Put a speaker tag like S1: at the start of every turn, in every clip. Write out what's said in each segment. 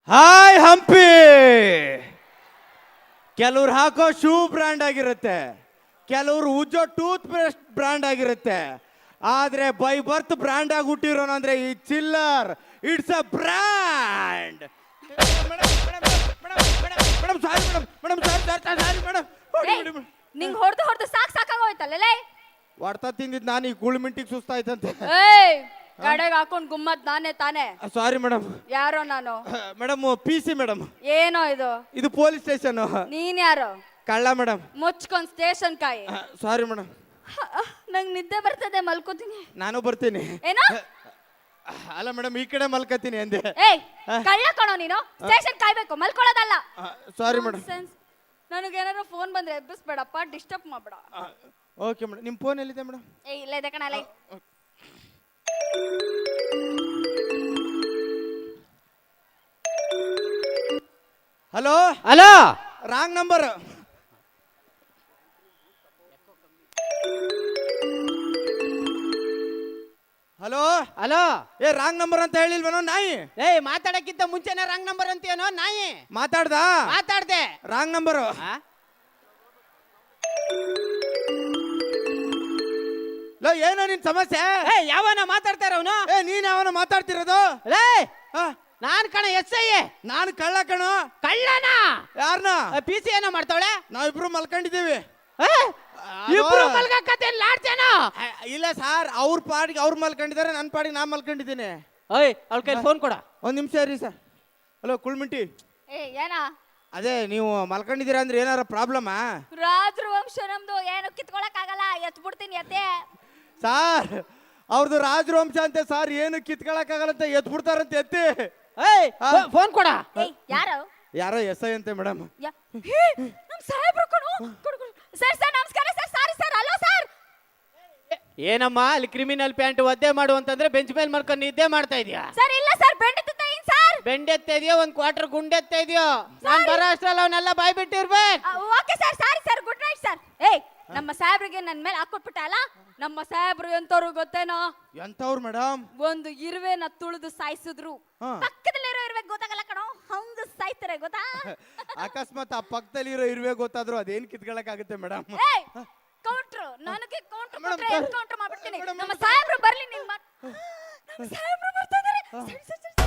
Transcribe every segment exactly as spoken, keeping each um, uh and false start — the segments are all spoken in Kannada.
S1: ಹಾಯ್ ಹಂಪಿ. ಕೆಲವ್ರು ಹಾಕೋ ಶೂ ಬ್ರ್ಯಾಂಡ್ ಆಗಿರುತ್ತೆ, ಕೆಲವ್ರು ಉಜ್ಜೋ ಟೂತ್ ಪೇಸ್ಟ್ ಬ್ರ್ಯಾಂಡ್ ಆಗಿರುತ್ತೆ. ಆದ್ರೆ ಬೈ ಬರ್ತ್ ಬ್ರ್ಯಾಂಡ್ ಆಗಿ ಹುಟ್ಟಿರೋನು ಅಂದ್ರೆ ಈ chiller. It's a brand. Madam sorry madam, madam sorry sorry madam.
S2: ನಿಂಗ್ ಹೊಡೆದು ಹೊಡೆದು ಸಾಕ್ ಸಾಕಾಗೋಯ್ತಲ್ಲೇ.
S1: ಹೊಡ್ತಾ ತಿಂದಿದ್ ನಾನು ಈ ಗುಳ್ ಮಿಂಟಿಗೆ ಸುಸ್ತಾಯ್ತಂತೆ.
S2: ಏಯ್ ಗಡೆಗೆ ಹಾಕೊಂಡ್ ಗುಮ್ಮತ್ ನಾನೇ ತಾನೇ.
S1: Sorry madam.
S2: ಯಾರೋ ನಾನು?
S1: Madam P C madam.
S2: ಏನೋ ಇದು?
S1: ಇದು ಪೊಲೀಸ್ ಸ್ಟೇಷನ್.
S2: ನೀನ್ ಯಾರು?
S1: ಕಳ್ಳ ಮೇಡಮ್.
S2: ಮುಚ್ಕೊಂಡ್ ಸ್ಟೇಷನ್ ಕಾಯಿ.
S1: Sorry madam.
S2: ನಂಗ್ ನಿದ್ದೆ ಬರ್ತದೆ, ಮಲ್ಕೋತೀನಿ.
S1: ನಾನು ಬರ್ತೀನಿ.
S2: ಏನೋ?
S1: ಅಲ್ಲ ಮೇಡಮ್, ಈ ಕಡೆ ಮಲ್ಕತೀನಿ ಅಂದೆ.
S2: ಏಯ್ ಕಳ್ಳ ಕಣೋ ನೀನು. ಸ್ಟೇಷನ್ ಕಾಯ್ಬೇಕು, ಮಲ್ಕೊಳ್ಳೋದಲ್ಲ.
S1: Sorry madam.
S2: ನನಗೇನಾದ್ರು ಫೋನ್ ಬಂದ್ರೆ ಎಬ್ಬಿಸ್ಬೇಡಪ್ಪ, ಡಿಸ್ಟರ್ಬ್ ಮಾಡ್ಬೇಡ.
S1: Okay madam. ನಿಮ್ಮ ಫೋನ್ ಎಲ್ಲಿದೆ ಮೇಡಮ್?
S2: ಏ ಇಲ್ಲ ಇದೆ ಕಣ. ಲೈ
S1: hello
S3: hello,
S1: wrong number. Hello
S3: hello.
S1: ಏ ರಾಂಗ್ ನಂಬರ್ ಅಂತ ಹೇಳಿಲ್ವೇನೋ ನಾಯಿ?
S3: ಏಯ್ ಮಾತಾಡಕ್ಕಿಂತ ಮುಂಚೆನೆ ರಾಂಗ್ ನಂಬರ್ ಅಂತೀಯನೋ ನಾಯಿ?
S1: ಮಾತಾಡ್ದ?
S3: ಮಾತಾಡ್ದೆ.
S1: Wrong number. ಲೋ ಏನೋ ನಿನ್ ಸಮಸ್ಯೆ?
S3: ಏ ಯಾವನ ಮಾತಾಡ್ತಾರ ಅವನು?
S1: ಏ ನೀನ್ ಯಾವನ ಮಾತಾಡ್ತಿರೋದು?
S3: ಲೇ
S1: ಹಾ,
S3: ನಾನ್ ಕಣ ಎಸ್ ಐ.
S1: ನಾನು ಕಳ್ಳ ಕಣೋ.
S3: ಕಳ್ಳನ?
S1: ಯಾರನ್ನ?
S3: ಪಿ ಸಿ ಏನೋ ಮಾಡ್ತಾವಳೆ.
S1: ನಾವಿಬ್ರು ಮಲ್ಕೊಂಡಿದ್ದೀವಿ.
S3: ಇಬ್ರು ಮಲ್ಗಕತ್ತೆ ಲಾಡ್ತೇನೋ?
S1: ಇಲ್ಲ ಸರ್, ಅವ್ರ ಪಾಡಿಗೆ ಅವ್ರು ಮಲ್ಕೊಂಡಿದ್ದಾರೆ, ನನ್ನ ಪಾಡಿಗೆ ನಾ ಮಲ್ಕೊಂಡಿದ್ದೀನಿ.
S3: ಓಯ್ ಅವಳ ಕೈ ಫೋನ್ ಕೊಡ.
S1: ಒಂದ್ ನಿಮಿಷ ಇರಿ ಸರ್. ಹಲೋ ಕುಳ್ಮಿಂಟಿ.
S2: ಏ ಏನ?
S1: ಅದೇ ನೀವು ಮಲ್ಕೊಂಡಿದ್ದೀರಾ ಅಂದ್ರೆ ಏನಾರ ಪ್ರಾಬ್ಲಮಾ?
S2: ರಾಜರ ವಂಶ ನಮ್ದು, ಏನು ಕಿತ್ಕೊಳಕ್ ಆಗಲ್ಲ. ಎತ್ ಬಿಡ್ತೀನಿ ಎತ್ತೆ.
S1: ಸಾರ್ ಅವ್ರದ್ದು ರಾಜವಂಶ ಅಂತೆ ಸರ್, ಏನು ಕಿತ್ಕೊಳಕ್ ಆಗಲ್ಲಂತ ಎತ್ ಬಿಡ್ತಾರಂತೆ ಎತ್ತಿ.
S3: ಏಯ್ ಫೋನ್ ಕೊಡ.
S2: ಏಯ್ ಯಾರು?
S1: ಯಾರೋ ಎಸ್ ಐ ಅಂತೆ ಮೇಡಮ್.
S2: ನಮ್ ಸಾಹೇಬ್ರು ಕಣೋ. ಸರ್ ಸರ್ ನಮಸ್ಕಾರ sir. Sorry sir. Hello sir.
S3: ಏನಮ್ಮ ಅಲ್ಲಿ ಕ್ರಿಮಿನಲ್ ಪ್ಯಾಂಟ್ ಒದ್ದೆ ಮಾಡು ಅಂತಂದ್ರೆ ಬೆಂಚ್ ಮೇಲೆ ಮಾಡ್ಕೊಂಡು ನಿದ್ದೆ ಮಾಡ್ತಾ ಇದೀಯಾ?
S2: ಸರ್ ಇಲ್ಲ ಸರ್, ಬೆಂಡೆತ್ತ ಏನ್ ಸರ್?
S3: ಬೆಂಡೆತ್ತ ಇದೆಯೋ ಒಂದ್ ಕ್ವಾರ್ಟರ್ ಗುಂಡೆತ್ತ ಇದೆಯೋ? ನಾನ್ ಬರೋ ಅಷ್ಟ್ರಲ್ಲಿ ಅವನ್ನೆಲ್ಲ ಬಾಯ್ ಬಿಟ್ಟಿರ್ಬೇಕು.
S2: Okay sir, sorry sir, good night sir. ಏಯ್ ನಮ್ಮ ಸಾಹೇಬ್ರಿಗೆ ನನ್ ಮೇಲೆ ಹಾಕೊಟ್ಬಿಟ್ಟ ಅಲ್ಲ. ನಮ್ಮ ಸಾಹೇಬ್ರು ಎಂತವ್ರು ಗೊತ್ತೇನೋ?
S1: ಎಂತವ್ರು ಮೇಡಮ್?
S2: ಒಂದು ಇರುವೆನ ತುಳಿದು ಸಾಯಿಸಿದ್ರು, ಪಕ್ಕದಲ್ಲಿರೋ ಇರುವೆ ಗೊತ್ತಾಗಲ್ಲ ಕಣೋ, ಹಂಗ ಸಾಯ್ತಾರೆ ಗೊತ್ತಾ?
S1: ಅಕಸ್ಮಾತ್ ಆ ಪಕ್ಕದಲ್ಲಿ ಇರೋ ಇರುವೆ ಗೊತ್ತಾದ್ರು ಅದೇನ್ ಕಿತ್ಕೊಳಕ್ ಆಗುತ್ತೆ ಮೇಡಮ್?
S2: ಏಯ್ ಕೌಂಟ್ರು, ನನಗೆ ಕೌಂಟ್ರು ಕೊಟ್ರೆ ಏನ್ ಕೌಂಟ್ರು ಮಾಡ್ಬಿಡ್ತೀನಿ. ನಮ್ಮ ಸಾಹೇಬ್ರು ಬರ್ಲಿ. ನಿಮ್ ಮಾತ್ ನಮ್ಮ ಸಾಹೇಬ್ರು ಬರ್ತಾ ಇದಾರೆ. ಸರಿ ಸರಿ ಸರಿ.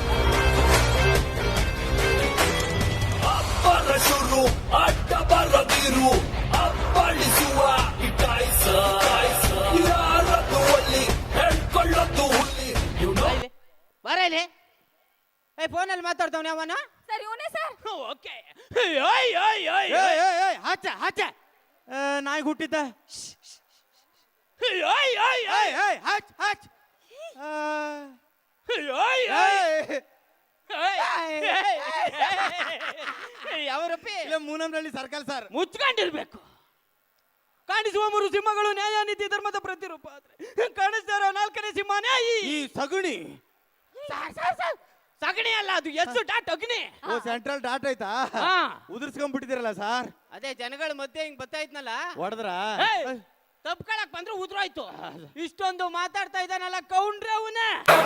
S4: ಅಪ್ಪರ ಶುರು ಅಡ್ಡ ಬರದಿರು ಅಪ್ಪಳಿಸುವ ಇಟಾಯ್ಸ ಯಾರದ್ದು ಒಲ್ಲಿ ಹೇಳ್ಕೊಳ್ಳೋದು ಹುಲ್ಲಿ.
S3: ಬರ ಇಲ್ಲಿ. ಏ ಫೋನಲ್ಲಿ ಮಾತಾಡ್ತಾವನೆ ಅವನ.
S2: ಸರ್ ಇವನೇ ಸರ್.
S3: ಓಕೆ.
S1: ಹಾಚ ಹಾಚ ನಾಯಿ ಹುಟ್ಟಿದ್ದ. ಹಾಚ್ ಹಾಚ್.
S3: ಯಾವರಪ್ಪಿ?
S1: ಇಲ್ಲ ಮೂನಂನಹಳ್ಳಿ ಸರ್ಕಲ್ ಸರ್.
S3: ಮುಚ್ಕೊಂಡಿರ್ಬೇಕು. ಕಾಣಿಸುವ ಮೂರು ಸಿಂಹಗಳು ನ್ಯಾಯ ನೀತಿ ಧರ್ಮದ ಪ್ರತಿರೂಪ ಆದ್ರೆ ಕಾಣಿಸ್ತಾ ಇರೋ ನಾಲ್ಕನೇ ಸಿಂಹನೇ ಈ
S1: ಸಗುಣಿ.
S3: ಸಗಣಿ ಅಲ್ಲ, ಅದು ಎಸ್ ಡಾಟ್ ಅಗ್ನಿ.
S1: ಓ ಸೆಂಟ್ರಲ್ ಡಾಟ್ ಆಯ್ತಾ? ಉದುರ್ಸ್ಕೊಂಡ್ಬಿಟ್ಟಿದ್ದೀರಲ್ಲ ಸರ್.
S3: ಅದೇ ಜನಗಳ ಮಧ್ಯೆ ಹಿಂಗ್ ಬರ್ತಾ ಇದ್ನಲ್ಲ,
S1: ಹೊಡೆದ್ರ
S3: ತಪ್ಕೊಳಕ್ ಬಂದ್ರೆ ಉದ್ರೋಯ್ತು. ಇಷ್ಟೊಂದು ಮಾತಾಡ್ತಾ ಇದ್ದಾನಲ್ಲ ಕೌಂಡ್ರೆ ಅವನೇ.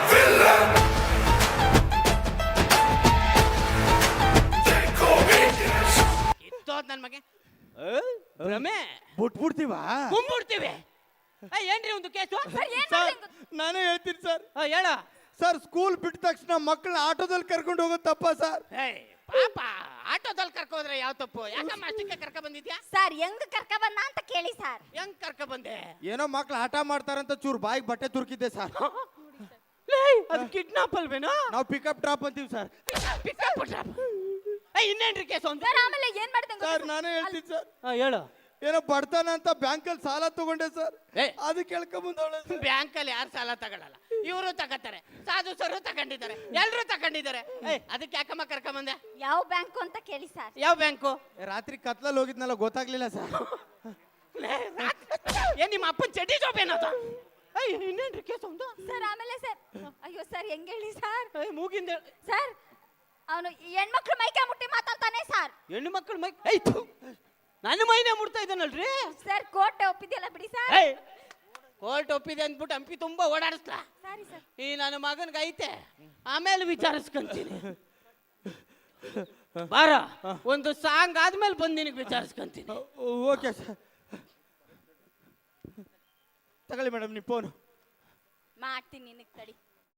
S3: ಇತ್ತೋದ್ ನನ್ ಮಗೆ ರಮೆ
S1: ಬಿಟ್ಬಿಡ್ತೀವ?
S3: ಗುಂಬಿಡ್ತೀವಿ. ಏನ್ರಿ ಒಂದು ಕೇಸು?
S1: ನಾನೇ ಹೇಳ್ತೀನಿ ಸರ್.
S3: ಹೇಳ
S1: ಸರ್. ಸ್ಕೂಲ್ ಬಿಟ್ಟ ತಕ್ಷಣ ಮಕ್ಕಳನ್ನ ಆಟೋದಲ್ಲಿ ಕರ್ಕೊಂಡು ಹೋಗೋದು ತಪ್ಪ ಸರ್?
S3: ಪಾಪ ಆಟೋದಲ್ಲಿ ಕರ್ಕೋದ್ರೆ ಯಾವ ತಪ್ಪು? ಯಾಕಮ್ಮ ಅಷ್ಟಕ್ಕೆ ಕರ್ಕ ಬಂದಿದ್ಯಾ?
S2: ಸರ್ ಹೆಂಗ್ ಕರ್ಕ ಬಂದ ಅಂತ ಕೇಳಿ ಸರ್.
S3: ಹೆಂಗ್ ಕರ್ಕ ಬಂದೆ?
S1: ಏನೋ ಮಕ್ಳು ಆಟ ಮಾಡ್ತಾರಂತ ಚೂರು ಬಾಯಿಗೆ ಬಟ್ಟೆ ತುರ್ಕಿದ್ದೆ ಸರ್.
S3: ಅದು ಕಿಡ್ನಾಪ್ ಅಲ್ವೇನೋ?
S1: ನಾವು ಪಿಕಪ್ ಡ್ರಾಪ್ ಅಂತೀವಿ ಸರ್.
S3: Pickup drop. ಇನ್ನೇನ್ರಿ ಕೇಸು ಅಂತ?
S2: ಸರ್ ಆಮೇಲೆ ಏನ್ ಮಾಡ್ದಂಗ
S1: ಸರ್ ನಾನೇ ಹೇಳ್ತೀನಿ ಸರ್.
S3: ಹೇಳು.
S1: ಏನೋ ಬಡ್ತಾನ ಅಂತ ಬ್ಯಾಂಕಲ್ಲಿ ಸಾಲ ತಗೊಂಡೆ ಸರ್. ಅದಕ್ಕೆ ಕೇಳ್ಕೊಂಬಂದವಳೆ.
S3: ಬ್ಯಾಂಕಲ್ಲಿ ಯಾರು ಸಾಲ ತಗೊಳ್ಳಲ್ಲ, ಇವರು ತಗೋತಾರೆ. ಸಾಧು ಸರು ತಗೊಂಡಿದ್ದಾರೆ, ಎಲ್ರು ತಗೊಂಡಿದ್ದಾರೆ. ಅದಕ್ಕೆ ಯಾಕಮ್ಮ ಕರ್ಕೊಂಬಂದೆ?
S2: ಯಾವ ಬ್ಯಾಂಕು ಅಂತ ಕೇಳಿ ಸರ್.
S3: ಯಾವ ಬ್ಯಾಂಕು?
S1: ರಾತ್ರಿ ಕತ್ಲಲ್ಲಿ ಹೋಗಿದ್ನಲ್ಲ, ಗೊತ್ತಾಗ್ಲಿಲ್ಲ ಸರ್.
S3: ಏನ್ ನಿಮ್ಮ ಅಪ್ಪನ ಚಡ್ಡಿ ಜಾಬ್ ಏನದ? ಇನ್ನೇನ್ರಿ ಕೇಸು ಒಂದು?
S2: ಸರ್ ಆಮೇಲೆ ಸರ್, ಅಯ್ಯೋ ಸರ್ ಹೆಂಗ್ ಹೇಳಿ ಸರ್?
S3: ಮೂಗಿಂದ
S2: ಸರ್ ಅವನು ಹೆಣ್ಮಕ್ಳು ಮೈಕೆ ಮುಟ್ಟಿ ಮಾತಾಡ್ತಾನೆ ಸರ್.
S3: ಹೆಣ್ಣು ಮಕ್ಕಳು ಮೈ ನನ್ನ ಮೈನೇ ಮುಡ್ತಾ ಇದ್ದಾನಲ್ರಿ
S2: ಸರ್. ಕೋರ್ಟ್ ಒಪ್ಪಿದ್ಯಲ್ಲ ಬಿಡಿ ಸರ್.
S3: ಕೋರ್ಟ್ ಒಪ್ಪಿದೆ ಅಂದ್ಬಿಟ್ಟು ಹಂಪಿ ತುಂಬಾ ಓಡಾಡಿಸ್ಲಾ?
S2: Sorry sir.
S3: ಈ ನನ್ನ ಮಗನ್ಗೆ ಐತೆ, ಆಮೇಲೆ ವಿಚಾರಿಸ್ಕೊಂತೀನಿ. ಬಾರ ಒಂದು ಸಾಂಗ್ ಆದ್ಮೇಲೆ ಬಂದು ನಿನಗೆ ವಿಚಾರಿಸ್ಕೊಂತೀನಿ.
S1: Okay sir. ತಗೊಳ್ಳಿ ಮೇಡಮ್ ನೀವು ಫೋನು.
S2: ಮಾಡ್ತೀನಿ ನಿನಗೆ ತಡಿ.